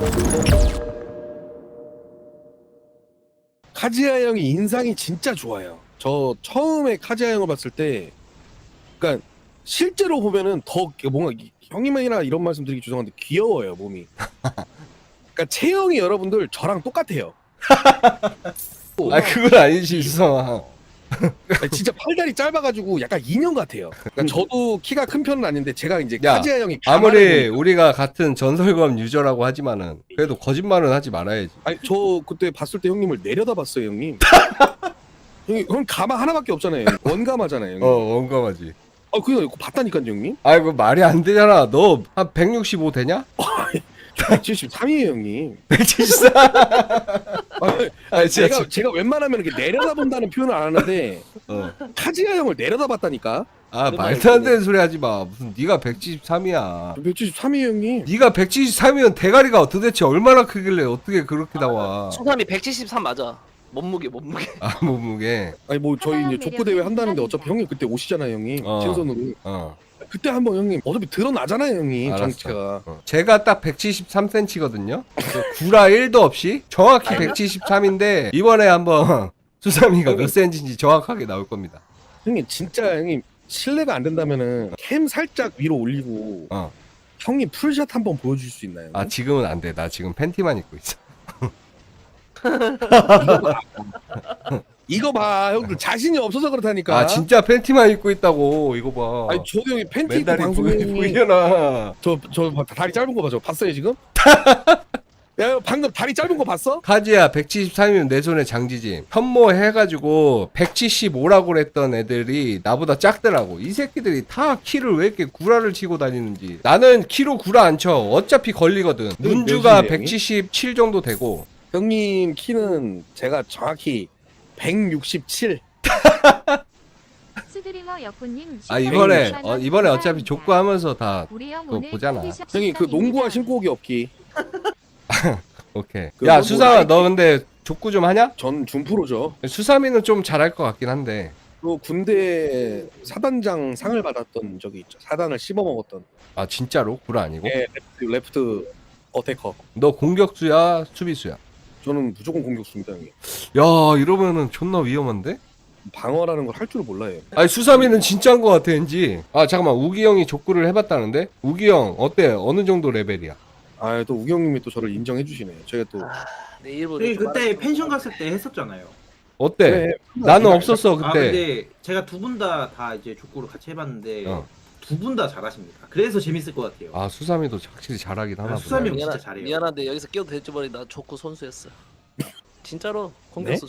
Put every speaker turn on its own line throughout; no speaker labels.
카즈야 형이 인상이 진짜 좋아요. 저 처음에 카즈야 형을 봤을 때, 그러니까 실제로 보면은 더 뭔가 형님이나 이런 말씀 드리기 죄송한데 귀여워요 몸이. 그러니까 체형이 여러분들 저랑 똑같아요.
아 그건 아니지 수성아.
진짜 팔다리 짧아가지고 약간 인형 같아요. 그러니까 저도 키가 큰 편은 아닌데 제가 이제
야,
카즈야 형이
아무리 우리가 같은 전설검 유저라고 하지만은 그래도 거짓말은 하지 말아야지.
아니 저 그때 봤을 때 형님을 내려다 봤어요 형님. 형님 가마 하나밖에 없잖아요. 원가마잖아요 형님.
원감하지.
그거 봤다니까요 형님.
아이고 말이 안 되잖아. 너 한 165 되냐?
173이에요 형님.
174. 진짜.
제가 웬만하면 이렇게 내려다 본다는 표현을 안 하는데 카즈야 형을 내려다 봤다니까.
말도 안 되는 소리 하지 마. 무슨 네가 173이야.
173이에요 형님.
네가 173이면 대가리가 도대체 얼마나 크길래 어떻게 그렇게 나와?
수삼이 173 맞아. 몸무게.
아 몸무게.
아니 뭐 저희 이제 족구 대회 한다는데 어차피 형님 그때 오시잖아요 형님. 신선으로. 그때 한번 형님 어차피 드러나잖아요 형님.
알았어.
정치가.
제가 딱 173cm거든요. 구라 1도 없이 정확히 173인데 이번에 한번 수삼이가 몇 cm인지 정확하게 나올 겁니다.
형님 진짜 형님 실례가 안 된다면은 캠 살짝 위로 올리고 형님 풀샷 한번 보여줄 수 있나요?
아 지금은 안 돼. 나 지금 팬티만 입고 있어.
이거 봐 형들 자신이 없어서 그렇다니까.
아 진짜 팬티만 입고 있다고. 이거 봐.
아니 저도 형이 팬티 입고
맨날이
방송에
보이려나.
저 다리 짧은 거 봐. 저 봤어요 지금? 야 방금 다리 짧은 거 봤어?
카즈야 173이면 내 손에 장지짐. 현모 해가지고 175라고 그랬던 애들이 나보다 작더라고. 이 새끼들이 다 키를 왜 이렇게 구라를 치고 다니는지. 나는 키로 구라 안 쳐. 어차피 걸리거든. 문주가
몇인데,
177 정도 되고.
형님 키는 제가 정확히 167.
스드리머 여포님
아 이번에 어차피 족구하면서 다 그거 보잖아.
형님 그 농구화 신고 오기 없기.
오케이.
그
야
뭐
수상아
라이트-
너 근데 족구 좀 하냐?
전 준프로죠.
수삼이는 좀 잘할 것 같긴 한데.
그 군대 사단장 상을 받았던 적이 있죠. 사단을 씹어 먹었던.
아 진짜로? 구라 아니고?
예, 레프트 어태커.
너 공격수야 수비수야?
저는 무조건 공격수입니다 형님.
야 이러면은 존나 위험한데?
방어라는 걸 할 줄 몰라요.
아니 수삼이는 진짜인 것 같아 왠지. 아 잠깐만 우기 형이 족구를 해봤다는데? 우기 형 어때? 어느 정도 레벨이야?
또 우기 형님이 또 저를 인정해 주시네요. 제가 또
내 일본.
저희 그때 펜션 갔을 때 했었잖아요.
어때?
그래,
나는
그래,
없었어 그때.
근데 제가 두 분 다 이제 족구를 같이 해봤는데 두 분 다 잘하십니다. 그래서 재밌을 것 같아요.
아 수삼이도 확실히 잘하긴 하나 보네.
수삼이 형 진짜 잘해요.
미안한데 여기서 끼어도 될지 모르겠는데 나 족구 선수였어. 진짜로 공격수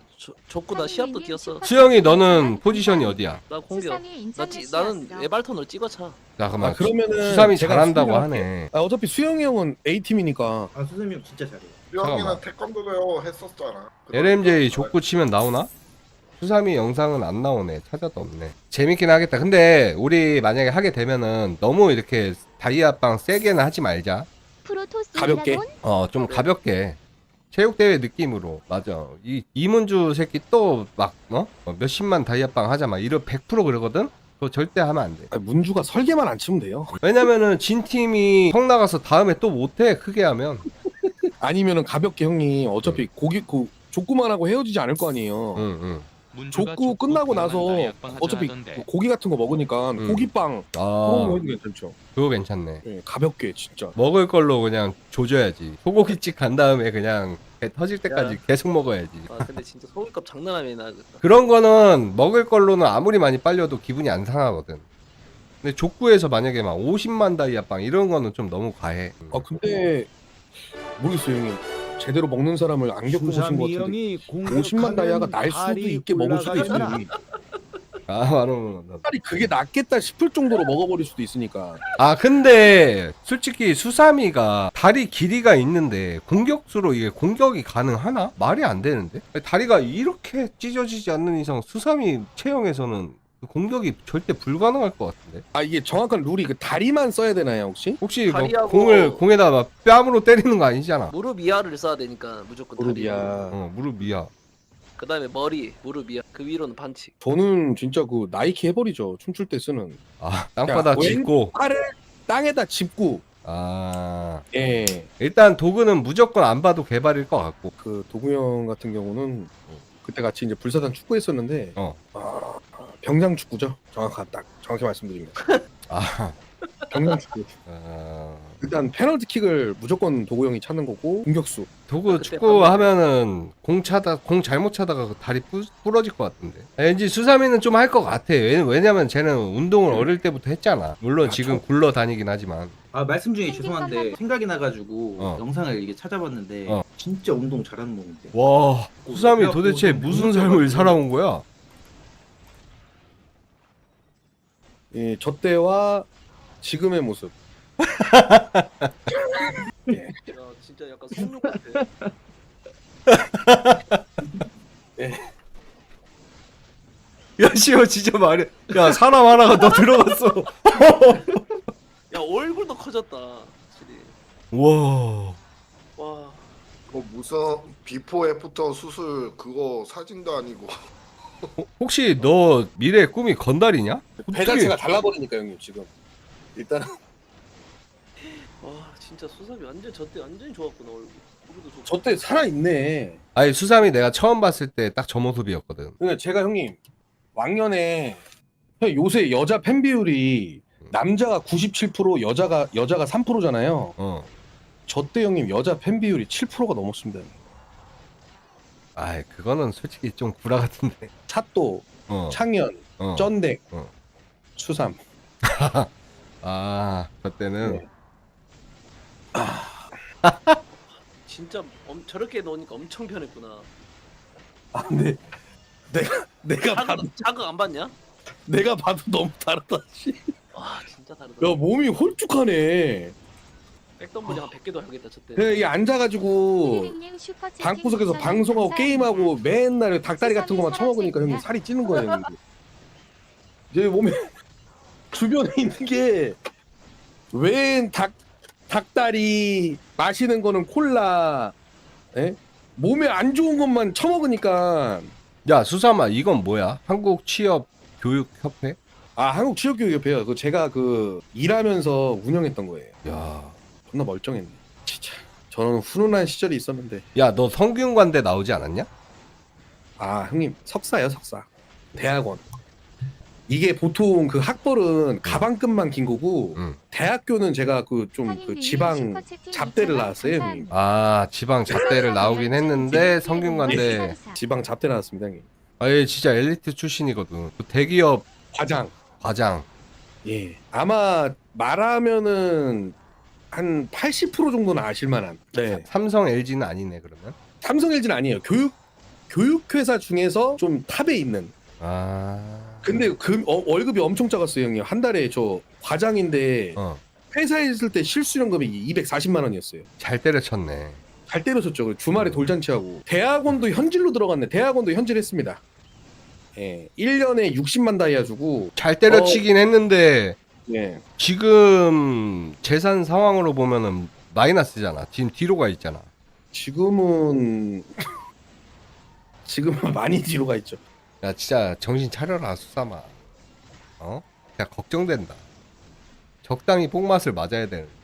족구 나 시합도 뛰었어.
수영이 너는 포지션이 어디야?
나 공격. 나는 에발턴으로 찍어차.
잠깐만
그러면은
수삼이
제가
잘한다고
수영을
하네.
어차피 수영이 형은 A팀이니까
수삼이 형 진짜 잘해요.
형이나 태권도도 했었잖아.
LMJ 족구 치면 나오나? 수삼이 영상은 안 나오네. 찾아도 없네. 재밌긴 하겠다. 근데 우리 만약에 하게 되면은 너무 이렇게 다이아빵 세게는 하지 말자.
프로토스
가볍게?
좀 가볍게 체육대회 느낌으로. 맞아. 이 이문주 새끼 또 막 몇십만 다이아빵 하자 막 이런 100% 그러거든. 그거 절대 하면 안 돼.
문주가 설계만 안 치면 돼요.
왜냐면은 진 팀이 성 나가서 다음에 또 못해. 크게 하면.
아니면은 가볍게 형님 어차피 족구만 하고 헤어지지 않을 거 아니에요.
응.
족구 끝나고 나서 어차피 고기 같은 거 먹으니까 고기빵 그런 거
아
해도 괜찮죠.
그거 괜찮네.
예, 가볍게 진짜.
먹을 걸로 그냥 조져야지. 소고기집 간 다음에 그냥 배 터질 때까지 계속 먹어야지.
아 근데 진짜 소금값 장난 아니네.
그런 거는 먹을 걸로는 아무리 많이 빨려도 기분이 안 상하거든. 근데 족구에서 만약에 막 50만 다이아빵 이런 거는 좀 너무 과해.
근데 모르겠어요 형님. 제대로 먹는 사람을 안 겪어보신 것 같은데 50만 다이아가 날 수도 있게 먹을 수도 있어요. 형님.
바로.
차라리 그게 낫겠다 싶을 정도로 먹어버릴 수도 있으니까.
근데 솔직히 수삼이가 다리 길이가 있는데 공격수로 이게 공격이 가능하나? 말이 안 되는데? 다리가 이렇게 찢어지지 않는 이상 수삼이 체형에서는 공격이 절대 불가능할 것 같은데?
이게 정확한 룰이 그 다리만 써야 되나요 혹시?
혹시 뭐
다리하고-
공에다 막 뺨으로 때리는 거 아니잖아?
무릎 이하를 써야 되니까 무조건 다리.
무릎이야.
무릎 위야.
그 다음에 머리, 무릎 이하. 그 위로는 반칙.
저는 진짜 그 나이키 해버리죠. 춤출 때 쓰는.
땅바닥
야,
짚고.
팔을 땅에다 짚고.
아.
예.
일단 도구는 무조건 안 봐도 개발일 것 같고.
그 도구 형 같은 경우는 그때 같이 이제 불사단 축구했었는데
어.
병장 축구죠. 정확히 말씀드립니다.
아,
병장 축구. 일단 페널티킥을 무조건 도구 형이 찾는 거고 공격수.
도구
그때
축구 하면은 공 잘못 차다가 그 다리 부러질 것 같은데. 왠지 수삼이는 좀 할 것 같아. 왜냐면 쟤는 운동을 어릴 때부터 했잖아. 물론 지금 굴러 다니긴 하지만.
아 말씀 중에 죄송한데 생각이 나가지고 영상을 이게 찾아봤는데
어.
진짜 운동 잘하는 놈인데.
와, 수삼이 도대체 무슨 삶을 살아온 거야?
예, 저 때와 지금의 모습. 예.
야 진짜 약간 성룡 같아.
야, 씨발 진짜 말해. 야, 사람 하나가 너 들어갔어.
야 얼굴도 커졌다. 확실히.
와.
와.
뭐 무슨 비포 애프터 수술 그거 사진도 아니고
혹시 너 미래 꿈이 건달이냐?
배 자체가 달라버리니까 형님 지금. 일단
와 진짜 수삼이 완전 저때 완전히 좋았구나 얼굴. 얼굴도 좋고.
저 때 살아 있네.
아니, 수삼이 내가 처음 봤을 때 딱 저 모습이었거든.
그러니까 제가 형님 왕년에 형 요새 여자 팬 비율이 남자가 97% 여자가 3%잖아요.
어.
저 때 형님 여자 팬 비율이 7%가 넘었습니다. 형님.
아이, 그거는 솔직히 좀 구라 같은데.
찻도,
어.
창현,
어.
쩐댁,
어.
수삼.
아, 그때는
네.
진짜 저렇게 넣으니까 엄청 변했구나.
아 근데 내가 봐도
자극 안 받냐?
내가 봐도 너무 다르다. 씨.
와 진짜 다르다.
야 몸이 홀쭉하네.
백덤블이 한 100개도 하겠다 저때.
그냥 이게 앉아가지고 방구석에서 방송하고 게임하고 맨날 닭다리 같은 거만 처먹으니까 형님 살이 찌는 거예요. 형님. 제 몸에 주변에 있는 게 웬 닭다리 마시는 거는 콜라, 에? 몸에 안 좋은 것만 처먹으니까.
야, 수삼아, 이건 뭐야? 한국 취업 교육 협회?
아 한국 취업교육협회요. 그 제가 그 일하면서 운영했던 거예요.
야.
존나 멀쩡했네. 진짜 저는 훈훈한 시절이 있었는데.
야, 너 성균관대 나오지 않았냐?
아 형님 석사요 석사. 대학원. 이게 보통 그 학벌은 가방끈만 긴 거고
응.
대학교는 제가 그 좀 그 지방 잡대를 나왔어요 형님.
아, 지방 잡대를 나오긴 했는데 성균관대.
지방 잡대 나왔습니다 형님.
아예 진짜 엘리트 출신이거든. 그 대기업
과장.
과장.
예. 아마 말하면은 한 80% 정도는 아실만한. 네.
삼성 LG는 아니네 그러면.
삼성 LG는 아니에요. 교육회사 중에서 좀 탑에 있는.
아.
근데 그 월급이 엄청 작았어요 형님. 한 달에 저 과장인데
어.
회사에 있을 때 실수령금이 240만 원이었어요.
잘 때려쳤네.
잘 때려쳤죠. 주말에 돌잔치하고. 대학원도 현질로 들어갔네. 대학원도 현질했습니다. 예. 1년에 60만 다이아 주고.
잘 때려치긴 했는데
예.
지금 재산 상황으로 보면은 마이너스잖아. 지금 뒤로 가 있잖아.
지금은 많이 뒤로 가 있죠.
야, 진짜 정신 차려라 수삼아. 어? 야, 걱정된다. 적당히 뽕맛을 맞아야 되는.